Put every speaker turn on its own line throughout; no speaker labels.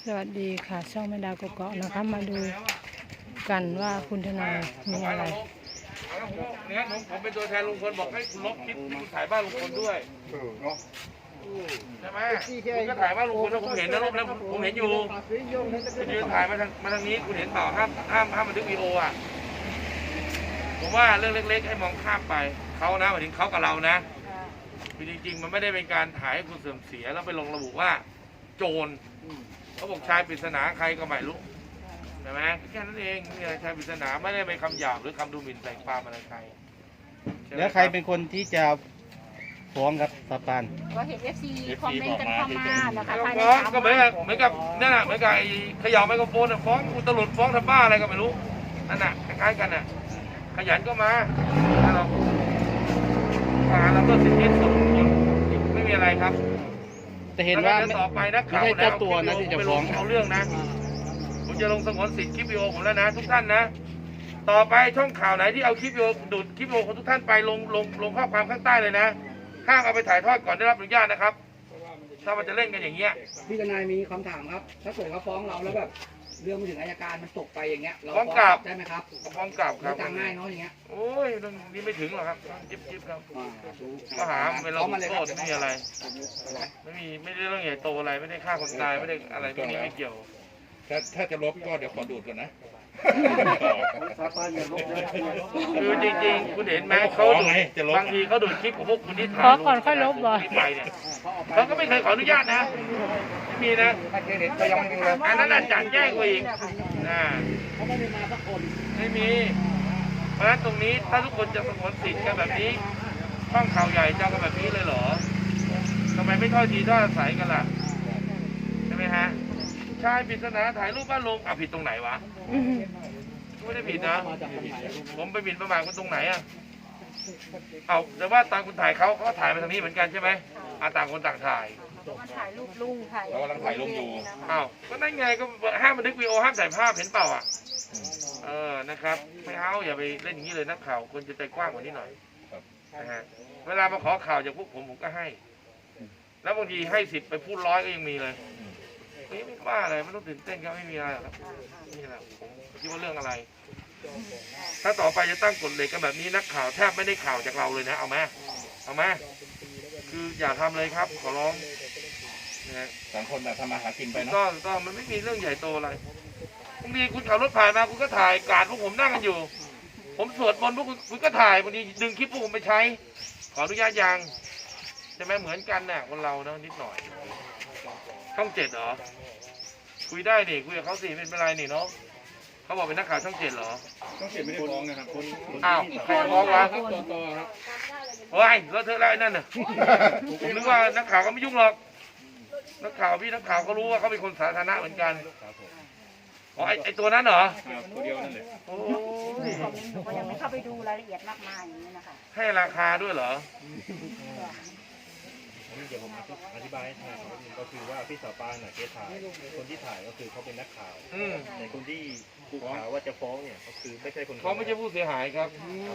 สวัสดีค่ะช่องแม่ดาวกกอกนะคะมาดูกันว่าคุณทนายมีอะไร
เนี่ยผมเป็นตัวแทนลุงพลบอกให้คุณลบคลิปที่คุณถ่ายบ้านลุงพลด้วยใช่ไหมคุณก็ถ่ายบ้านลุงพลแล้วผมเห็นนะรูปแล้วผมเห็นอยู่คุณยืนถ่ายมาทางนี้คุณเห็นเปล่าห้ามบันทึกวีดีโออ่ะผมว่าเรื่องเล็กๆให้มองข้ามไปเขานะหมายถึงเขากับเรานะจริงๆมันไม่ได้เป็นการถ่ายให้คุณเสื่อมเสียแล้วไปลงระบุว่าโจรเขาบอกชายปริศนาใครก็ไม่รู้ใช่ไหมแค่นั้นเองมีอะไรชายปริศนาไม่ได้เป็นคำหยาบหรือคำดูหมิ่นใส่ความอะไรใคร
แล้วใครเป็นคนที่จะฟ้องครับสปาน
ก็เห็น FC คอมเมนต์กันเข้ามานะคะภายใน
ฟ้องก็เหมือนกับนั่นแหละเหมือนกับไอ้เขย่าไมโครโฟนฟ้องอุตลุดฟ้องทำบ้าอะไรก็ไม่รู้นั่นน่ะคล้ายๆกันน่ะขยันก็มาเราก็สิทธิส่วนบุคคลไม่มีอะไรครับ
แต่เห็นว่า
ต่อไปนักข่าว
ไม่ใช่เจ้าตัวนะที่จะฟ้อง
เอาเรื่องนะผมจะลงสงวนสิทธิ์คลิปวิดีโอผมแล้วนะทุกท่านนะต่อไปช่องข่าวไหนที่เอาคลิปวิดีโอดูดคลิปวิดีโอของทุกท่านไปลงข้อความข้างใต้เลยนะห้ามเอาไปถ่ายทอดก่อนได้รับอนุญาตนะครับถ้ามันจะเล่นกันอย่างเงี้ย
พี่ทนายมีคำถามครับถ้าเกิดเขาฟ้องเราแล้วแบบเรื่องมันถึงอัยการมันตกไปอย่างเงี้ยเรา
ฟ้องกลับ
ได้ไหมครับ
ฟ้องกลับครับ
ต่างง่ายเนาะอย่างเงี้ย
โอ้ยเรื่องนี้ไม่ถึงหรอกครับจิ๊บครับก็หาเป็นเราโทษไม่มีอะไรไม่ได้เรื่องใหญ่โตอะไรไม่ได้ฆ่าคนตายไม่ได้อะไรพวกนี้ไม่เกี่ยว
ถ้าจะลบก็เดี๋ยวขอดูดก่อนนะ
คือจริงๆคุณเห็นไหมเขาดูบางทีเขาดูคลิปของพวกคุณที่ถ่าย
ขอก่อนค่อยลบบ่
ไปเนี่ยเขาก็ไม่เคยขออนุญาตนะไม่มีนะอันนั้นอาจารย์แจ้งกว่าอีก
เขาไม่ได้มาสักคน
ไม่มีเพราะฉะนั้นตรงนี้ถ้าทุกคนจะสงวนสิทธิ์กันแบบนี้ช่องข่าวใหญ่จะกันแบบนี้เลยเหรอทำไมไม่ถ้อยทีถ้อยอาศัยกันล่ะใช่ไหมฮะชายปริศนาถ่ายรูปบ้านลงผิดตรงไหนวะไม่ได้ผิดนะผมไปบินประมาทคุณตรงไหนเอาแต่ว่าตามคุณถ่ายเขาถ่ายไปทางนี้เหมือนกันใช่ไหมต่างคนต่างถ่าย
ถ่ายรูปลุงถ่าย
เรากำลังถ่ายรูปอยู่
ก็นั่นไงก็ห้ามบันทึกวีดีโอห้ามถ่ายภาพเห็นเปล่านะครับไม่เอาอย่าไปเล่นอย่างนี้เลยนักข่าวคนจะใจกว้างกว่านี้หน่อยนะฮะเวลามาขอข่าวจากพวกผมก็ให้แล้วบางทีให้10ไปพูด100ก็ยังมีเลยไม่ว่าอะไรไม่ต้องตื่นเต้นครับไม่มีอะไรครับนี่แหละผมคิดว่าเรื่องอะไรถ้าต่อไปจะตั้งกฎเหล็กกันแบบนี้นักข่าวแทบไม่ได้ข่าวจากเราเลยนะเอามาคืออย่าทำเลยครับขอร้องนะ
ต่างคนต่างทำมาหากินไปเนาะ
ก็มันไม่มีเรื่องใหญ่โตอะไรบางทีคุณขับรถผ่านมาคุณก็ถ่ายการพวกผมนั่งกันอยู่ผมสวดมนต์พวกคุณก็ถ่ายบางทีดึงคลิปพวกผมไปใช้ขออนุญาตยังใช่ไหมเหมือนกันน่ะคนเราเนาะนิดหน่อยช่อง7เหรอคุยได้นี่คุยกับเขาสิเป็นไรนี่เนาะเขาบอกเป็นนักข่าวช่อง7เหรอ
ช่อง7ไม่ได้ฟ้องนะครับ
ใครฟ้องวะโอ้ยแล้วเธอแล้วไอ้นั่นน่ะผมนึกว่านักข่าวก็ไม่ยุ่งหรอกนักข่าวก็รู้ว่าเขาเป็นคนสาธารณะเหมือนกันไอ้ตัวนั้นเหรอ
ตัวเดียวนั่นเลย
โอ้
ยก็ยังไม่เข้าไปดูรายละเอียดมากมายอย่างนี้นะคะ
ให้ราคาด้วยเหรอ
เดี๋ยวผมอธิบายให้ทางก็คือว่าพี่สาวปานเกถ่ายคนที่ถ่ายก็คือเขาเป็นนักข่าวในคนที่ถูกข่าวว่าจะฟ้องเนี่ยก็คือไม่ใช่คน
เขาไม่ใช่ผู้เสียหายครับ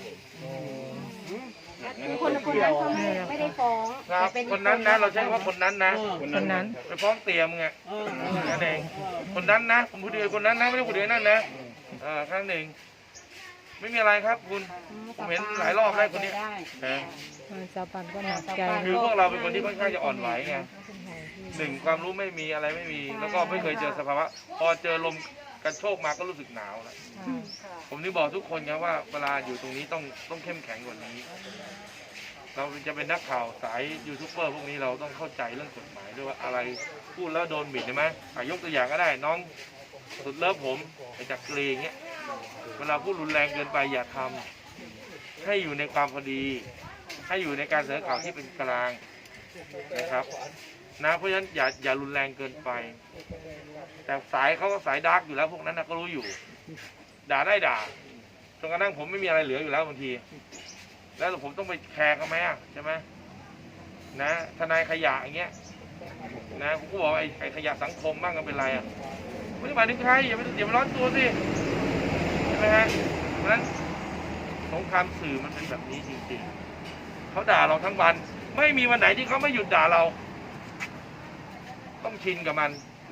คนนั้นเขาไม่ได้ฟ้อง
ครับคนนั้นนะเราใช้ว่าคนนั้นนะ
คนนั้น
ไปฟ้องเตี่ยมไงนั่นเองคนนั้นนะผมพูดถึงคนนั้นนะไม่ได้พูดถึงนั่นนะครั้งหนึ่งไม่มีอะไรครับคุณผมเห็นหลายรอบได้คนนี้
สาวปันก็หนักใจ
คือพวกเราเป็นคนที่ค่อนข้างจะอ่อนไหวไงความรู้ไม่มีอะไรไม่มีแล้วก็ไม่เคยเจอสภาวะพอเจอลมกันโชกมาก็รู้สึกหนาวแล้วผมนี่บอกทุกคนนะว่าเวลาอยู่ตรงนี้ต้องเข้มแข็งกว่านี้เราจะเป็นนักข่าวสายยูทูบเบอร์พวกนี้เราต้องเข้าใจเรื่องกฎหมายด้วยว่าอะไรพูดแล้วโดนบิดใช่ไหมยกตัวอย่างก็ได้น้องสุดเลิฟผมไอ้จักรีเงี้ยเวลาพูดรุนแรงเกินไปอย่าทำให้อยู่ในความพอดีให้อยู่ในการเสนอข่าวที่เป็นกลางนะครับนะเพราะฉะนั้นอย่ารุนแรงเกินไปแต่สายเขาก็สายดาร์กอยู่แล้วพวกนั้นนะก็รู้อยู่ด่าได้ด่าจนกระทั่งผมไม่มีอะไรเหลืออยู่แล้วบางทีแล้วผมต้องไปแคร์เขาไหมใช่ไหมนะทนายขยะอย่างเงี้ยนะผมก็บอกไอ้ขยะสังคมบ้างก็เป็นไรไม่ได้หมายถึงใครอย่าไปร้อนตัวสิใช่ไหมฮะเพราะฉะนั้นสงครามสื่อมันเป็นแบบนี้จริงๆเขาด่าเราทั้งวันไม่มีวันไหนที่เขาไม่หยุดด่าเราต้องชินกับมัน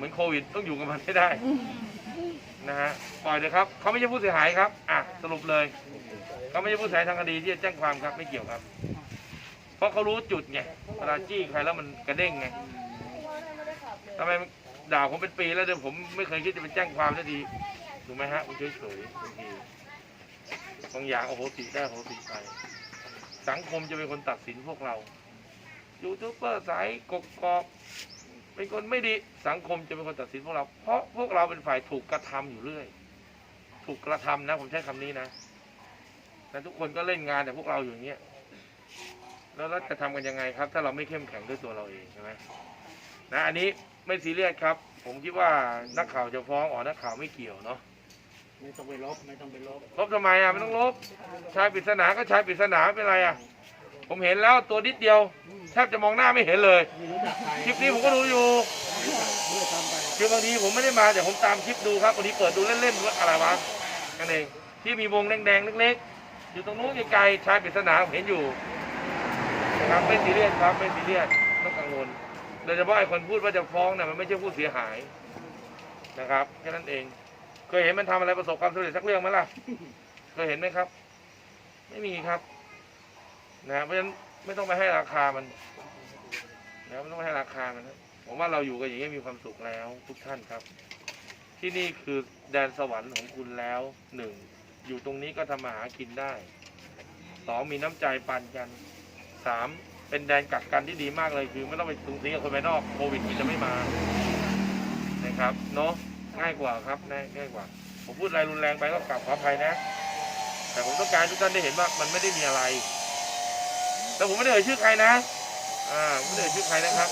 เหมือนโควิดต้องอยู่กับมันให้ได้นะฮะปล่อยเลยครับเขาไม่ใช่ผู้เสียหายครับสรุปเลยเขาไม่ใช่ผู้เสียหายทางคดีที่จะแจ้งความครับไม่เกี่ยวครับ เพราะเขารู้จุดไงเวลาจี้ใครแล้วมันกระเด้งไงทำไมด่าผมเป็นปีแล้วเดี๋ยวผมไม่เคยคิดจะไปแจ้งความสักทีถูกไหมฮะผมเฉยๆบางทีบางอย่างโอ้โหติได้โอ้โหติไปสังคมจะเป็นคนตัดสินพวกเรายูทูบเบอร์สายกกอกเป็นคนไม่ดีสังคมจะเป็นคนตัดสินพวกเราเพราะพวกเราเป็นฝ่ายถูกกระทำอยู่เรื่อยถูกกระทำนะผมใช้คำนี้นะแล้วทุกคนก็เล่นงานแต่พวกเราอยู่อย่างเงี้ยแล้วเราจะทำกันยังไงครับถ้าเราไม่เข้มแข็งด้วยตัวเราเองใช่ไหมนะอันนี้ไม่ซีเรียสครับผมคิดว่านักข่าวจะฟ้องนักข่าวไม่เกี่ยวเนาะ
ไม่ต้องไปลบ
ลบทำไมไม่ต้องลบชายปริศนาก็ชายปริศนาเป็นไรผมเห็นแล้วตัวนิดเดียวแทบจะมองหน้าไม่เห็นเลยคลิปนี้ผมก็ดูอยู่คือบางทีผมไม่ได้มาแต่ผมตามคลิปดูครับบางทีเปิดดูเล่นๆอะไรวะกันเองที่มีวงแดงๆเล็กๆอยู่ตรงนู้นไกลๆชายปริศนาผมเห็นอยู่นะครับไม่ซีเรียสครับไม่ซีเรียสต้องกังวลโดยเฉพาะไอ้คนพูดว่าจะฟ้องเนี่ยมันไม่ใช่ผู้เสียหายนะครับแค่นั้นเองเคยเห็นมันทำอะไรประสบความสำเร็จสักเรื่องไหมล่ะเคยเห็นไหมครับไม่มีครับนะเพราะฉะนั้นไม่ต้องไปให้ราคามันนะไม่ต้องไปให้ราคามันนะผมว่าเราอยู่กันอย่างนี้มีความสุขแล้วทุกท่านครับที่นี่คือแดนสวรรค์ของคุณแล้วหนึ่งอยู่ตรงนี้ก็ทำมาหากินได้สองมีน้ำใจปันกันสามเป็นแดนกักกันที่ดีมากเลยคือไม่ต้องไปสูงสิงกับคนภายนอกโควิดมันจะไม่มานะครับเนาะง่ายกว่าครับง่ายกว่าผมพูดอะไรรุนแรงไปก็กราบขออภัยนะแต่ผมต้องการทุกท่านได้เห็นว่ามันไม่ได้มีอะไรแต่ผมไม่ได้เอ่ยชื่อใครนะไม่ได้เอ่ยชื่อใครนะครับ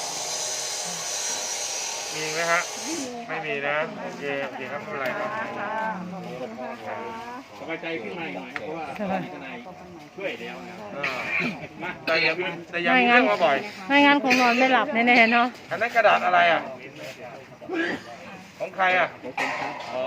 มีไหมฮะไม่มีนะโอเคครับไม่เป็นไรครับ
สบายใจขึ้นมาหน่อยเพราะว่าทนายช่วยแล้วนะ
แต่ยังมีเรื่องมาบ่อย
ไม่งั้นคงนอนไม่หลับแน่ๆเนาะ
อันนั้นกระดาษอะไรของใครอ๋อ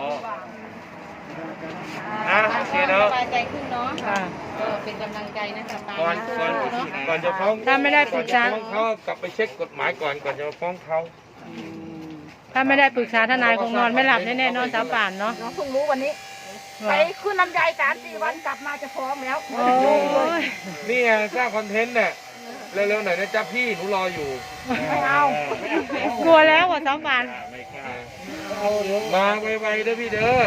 โอเคเนาะ
สบายใจขึ้นเนาะก็เป็นกำลังใจนะคะ
ก่อนจะฟ้อง
ถ้าไม่ได้ปรึกษา
เขากลับไปเช็คกฎหมายก่อนจะมาฟ้องเขา
ถ้าไม่ได้ปรึกษาทนายคงนอนไม่หลับแน่ๆนอนสาวป่านเนาะ
น้องเพิ่งรู้วันนี้ไปขึ้นลำไย3-4 วันกลับมาจะฟ้องแล้ว
โอ้ย
นี่ไงสร้างคอนเทนต์เนี่ยเร็วๆหน่อยนะจ๊ะพี่หนูรออยู่
ไม่เอา
กลัวแล้วสาวป่าน
มาไวๆเด้อพี่เด้อ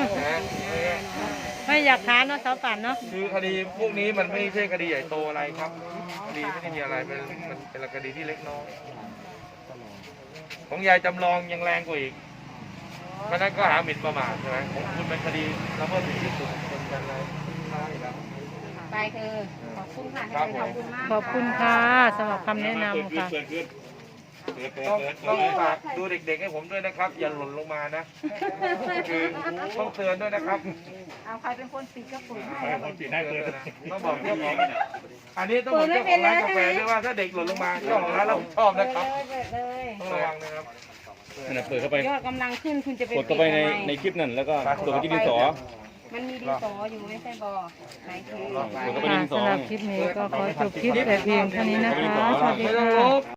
ไม่อยากค้านเนาะสาวป่านเนาะ
คือคดีพวกนี้มันไม่ใช่คดีใหญ่โตอะไรครับคดีไม่ได้มีอะไรมันเป็นคดีที่เล็กน้อยของยายจำลองยังแรงกว่าอีกเพราะนั้นก็หาหมิ่นประมาทใช่ไหมของคุณเป็นคดีละเมิดสิทธิส่วนบุคคลกันเลย
ไปเธอขอบคุณค่ะขอบคุณมาก
ขอบคุณค่ะสำหรับคำแนะนำค่ะ
ต้องฝากดูเด็กๆให้ผมด้วยนะครับอย่าหล่นลงมานะคือต้องเตือนด้วยนะครับ
เอาใครเป็นคนปิดก็ปุ๋ยให้
ต้องบอกเจ้าของอันนี้ต้องบอกเจ้าของร้านกาแฟด้วยว่าถ้าเด็กหล่นลงมาเจ้าของร้านเราชอบนะครับต้องระวังนะครับ
เปิดเข้าไป
ยอดกำลังขึ้นคุณจะไป
กดเข้าไปในคลิปนั่นแล้วก็กดไปที่ดินสอ
มันมีดินสออยู่ไม่ใช่บอไหนคือ
สำหรับคลิปนี้ก็ขอจบคลิปแต่เพียงเท่านี้นะคะสวัสดีค่ะ